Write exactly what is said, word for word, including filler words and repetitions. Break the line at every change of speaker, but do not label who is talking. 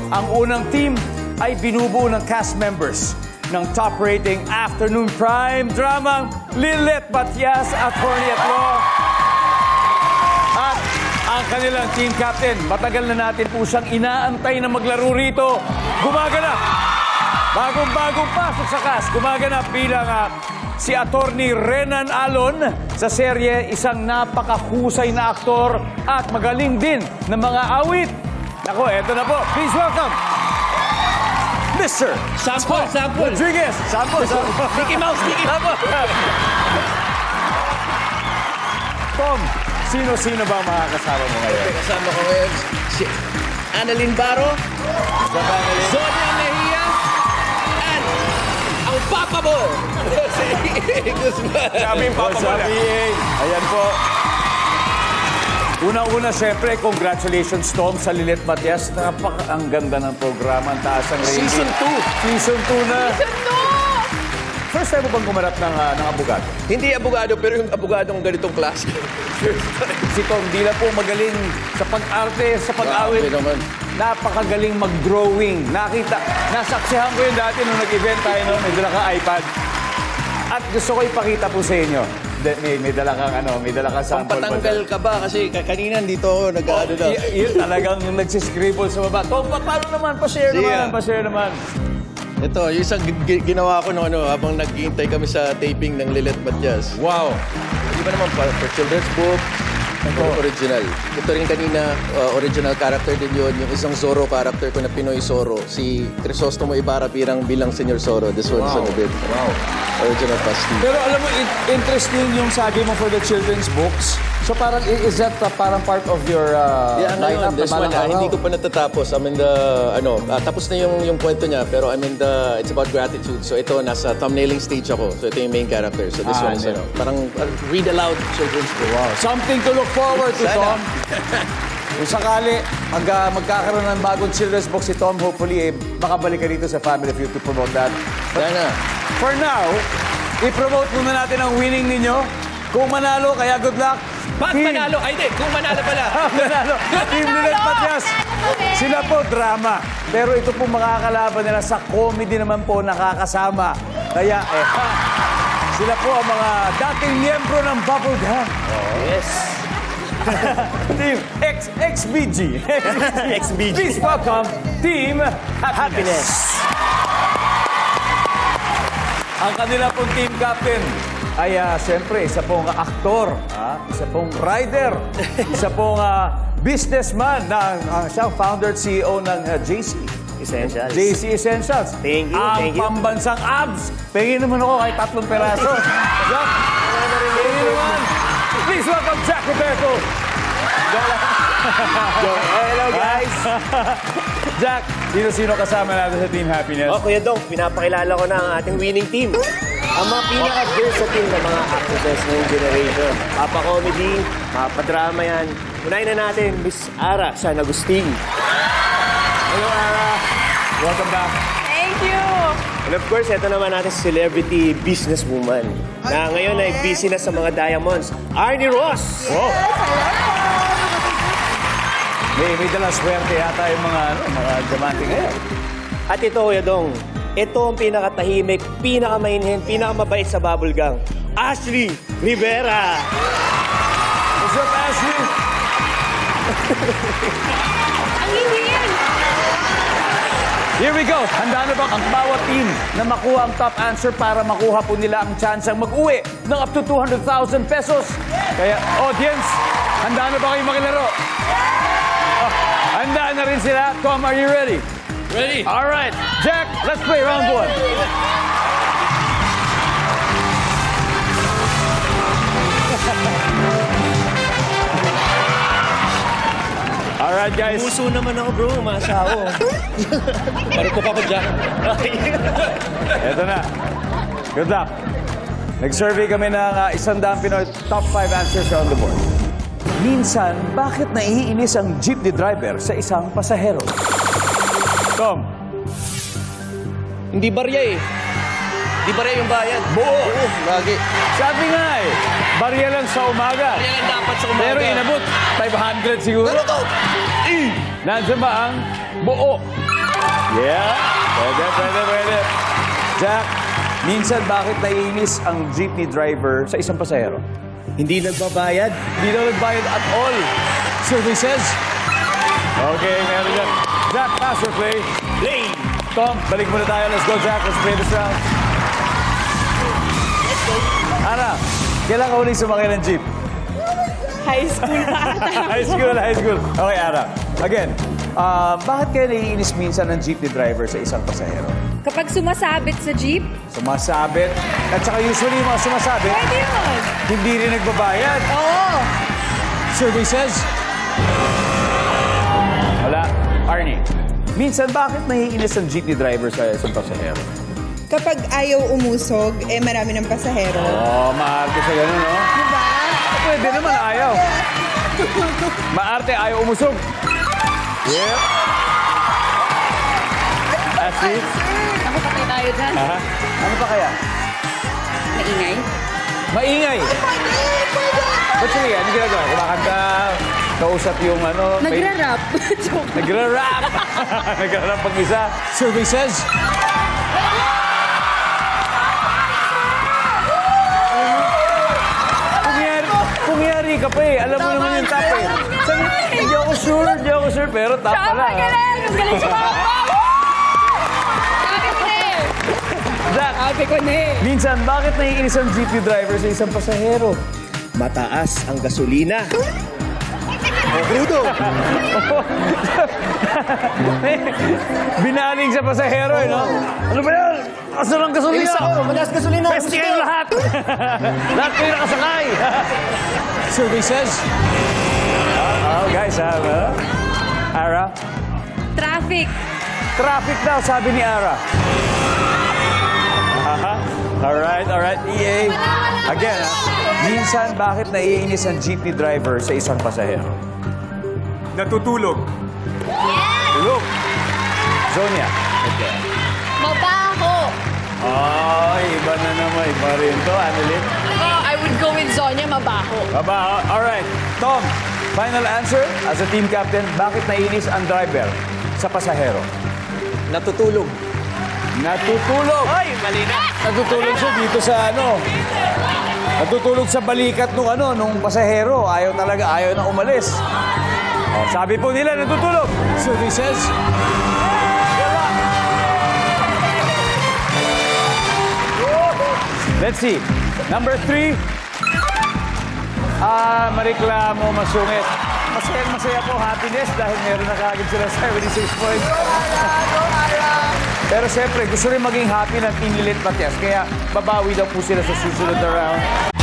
Ang unang team ay binubuo ng cast members ng top rating afternoon prime drama Lilet Matias, Attorney at Law. At ang kanilang team captain, matagal na natin po siyang inaantay na maglaro rito. Gumaganap. Bagong-bagong pasok sa cast. Gumaganap bilang uh, si Attorney Renan Alon sa serye, isang napakahusay na aktor at magaling din ng mga awit. Ako, eto na po. Please welcome Mister
Sample, sample.
Rodriguez. Sample, sample.
Mickey Mouse, Mickey Mouse.
Tom, sino-sino ba ang makakasama mo ngayon?
Kasama ko ngayon si Annalyn Baro, Zonia Mejia, and ang Papa mo, si Guzman.
Sabi yung Papa mo. Ayan po. Una-una, siyempre, congratulations, Tom, sa Lilet Matias. Napaka ang ganda ng programa, ang taas ang rating.
Season two.
Season two na. First time mo bang gumanap ng, uh, ng abogado?
Hindi abogado, pero yung abogadong ganitong klase.
Si Tom, di na po magaling sa pag-arte, sa pag-awit.
Grabe naman.
Napakagaling mag-drawing. Nakita, nasaksihan ko yun dati nung nag-event tayo noon, may dala ka iPad. At gusto ko ipakita po sa inyo. De, may, may dala kang ano, may dala kang sample.
Pampatanggal ka ba? Kasi ka- kanina dito ako nag-ano na.
Y- yun talagang nagsiscribble sa baba. Tom, pa- paano naman? Pa-share
Sige.
naman, pa-share naman.
Ito, yung isang gi- ginawa ko no, ano, habang naghihintay kami sa taping ng Lilet Matias.
Wow.
Di ba naman pa, for children's book, ito original. Ito rin kanina, uh, original character din yun. Yung isang Zorro character ko na Pinoy Zorro. Si Crisostomo Ibarra bilang bilang Senior Zorro. This one's
Wow.
ano din.
Wow.
Original costume.
Pero alam mo, it- interesting yung sabi mo for the children's books. So parang, i- is that uh, parang part of your uh,
Yeah,
lineup?
ngayon, this
na
one,
balang
ah, hindi
araw?
ko pa natatapos. I mean, the, ano, ah, tapos na yung, yung kwento niya, pero I mean, the, it's about gratitude. So ito, nasa thumbnailing stage ako. So ito yung main character. So this
Ah,
one is,
ano.
ano, parang uh, read aloud children's book.
Wow. Something to look forward to,
Sana.
Tom. Kung sakali, mag, uh, magkakaroon ng bagong children's book si Tom, hopefully, eh, makabalik ka dito sa Family Feud to promote that.
Sana.
For now, i-promote muna natin ang winning ninyo. Kung manalo, kaya good luck.
Pag
Team-
manalo, ay di, kung manalo pala.
manalo. Team Lilet Matias. Sila po drama. Pero ito po makakalaban nila sa comedy naman po nakakasama. Kaya eh, ha, sila po ang mga dating miyembro ng Bubble Gang.
Yes.
Team X XBG.
X B G.
Please welcome Team Happiness. Ang kanila pong team captain ay uh, siyempre isa pong aktor, ah, isa pong rider, isa pong ah, businessman na uh, siyang founder at C E O ng uh, J C.
Essentials.
J C Essentials.
Thank you,
Ang
thank you.
pambansang abs. Pengin naman ako kahit tatlong peraso. Jack, pengin naman. Please welcome Jack Roberto.
Hello guys!
Jack, sino-sino kasama natin sa Team Happiness?
Oh, Kuya Dong, pinapakilala ko na ang ating winning team. Ang mga pinaka-versatile na mga actresses ngayong generation. Papa-comedy, papa-drama yan. Unahin na natin, Miss Ara San Agustin.
Hello, Ara. Welcome back.
Thank you!
And of course, ito naman natin celebrity businesswoman na ngayon ay busy na sa mga diamonds. Arnie Ross!
Wow. May, may dalang swerte yata yung mga, ano, mga diamante ngayon.
At ito, Kuya Dong, ito ang pinakatahimik, pinakamainhin, pinakamabait sa Bubble Gang. Ashley Rivera!
What's up, Ashley?
Ang hihil!
Here we go. Handa na ba ang bawat team na makuha ang top answer para makuha po nila ang chance ang mag-uwi ng up to two hundred thousand pesos? Kaya, audience, handa na ba kayong makilaro? Oh, handa na rin sila. Tom, are you ready?
Ready?
All right. Jack, let's play round one. All right, guys.
Puso naman ako, bro. Umasa ako.
Marupok ako dyan.
Eto na. Good luck. Nag-survey kami ng uh, isang daang Pinoy top five answers on the board. Minsan, bakit naiinis ang jeepney driver sa isang pasahero? Tom,
Hindi barya eh. Hindi barya yung bayad.
buo.
Oo, lagi.
Sabi nga eh, barya lang sa umaga.
Barya lang dapat sa umaga.
Pero inabot, five hundred siguro.
Pero to,
Nandiyan ba ang buo? Yeah. Pwede, pwede, pwede. Jack, minsan bakit naiinis ang jeepney driver sa isang pasahero?
Hindi nagbabayad.
Hindi daw nagbayad at all. Survey says. Okay, meron yan. Jack, pass or play?
Play!
Tom, balik muna tayo. Let's go, Jack. Let's play this round. Ana, kailan ka uling sumakay ng jeep?
High school pa ata.
High school, high school. Okay, Ana. Again, ah, bakit kaya naiinis minsan ng jeepney driver sa isang pasahero?
Kapag sumasabit sa jeep,
Sumasabit. At saka usually yung mga sumasabit,
pwede yun.
hindi rin nagbabayad.
Oo.
Survey says. Wala. Arnie, minsan bakit naiinis ang jeepney driver sa isang pasahero?
Kapag ayaw umusog, eh marami ng pasahero.
Oh, maarte sa ganun, no?
Diba?
Pwede naman, ayaw. Maarte, ayaw umusog. Yep. That's it.
Ako patay tayo dyan.
Aha. Ano pa kaya?
Maingay.
Maingay. Ba't sige, ano ginagawa? Kumakanta, kausap yung ano... may-
Nagra-rap. Joke.
Nagra-rap. Nagra-rap pag isa. Survey says. Pumayari, pumayari ka pa eh. Alam mo naman yung tap eh. Sabi, hindi ako sure, hindi ako sure, pero tap
Tama,
pala.
galing. Ang galing sumama. Sabi ko na eh.
Jack,
Sabi ko na eh.
minsan, bakit naiinis ang jeepney driver sa isang pasahero?
Mataas ang gasolina. O, crudo.
Binaling sa pasahero eh, no? Ano ba yan? Asan ang gasolina?
Ilis ako, mataas gasolina.
Pwede kayo lahat! Lahat kayo nakasakay! Survey says. Oh, guys, ha? Uh, Ara?
Traffic.
Traffic daw, sabi ni Ara. Aha. Alright, alright. E A. Again, ha? Minsan, bakit naiinis ang jeepney driver sa isang pasahero? Natutulog. Tulog. Zonia. Okay.
Mabaho.
Ay, iba na naman. Iba rin to. Annalyn.
Oh, I would go with Zonia, mabaho.
Aba, alright. Tom, final answer as a team captain, bakit naiinis ang driver sa pasahero?
Natutulog.
Natutulog. Ay, mali na. Natutulog siya dito sa ano. Natutulog sa balikat nung ano, nung pasahero. Ayaw talaga, ayaw na umalis. Oh, sabi po nila, natutulog. So this says. Let's see. Number three. Ah, mareklamo, masungit. Masaya, masaya po, happiness dahil meron na kagad sila seventy-six points. Pero siyempre, gusto rin maging happy ng Team Lilit Matias. Kaya babawi daw po sila sa susunod na round.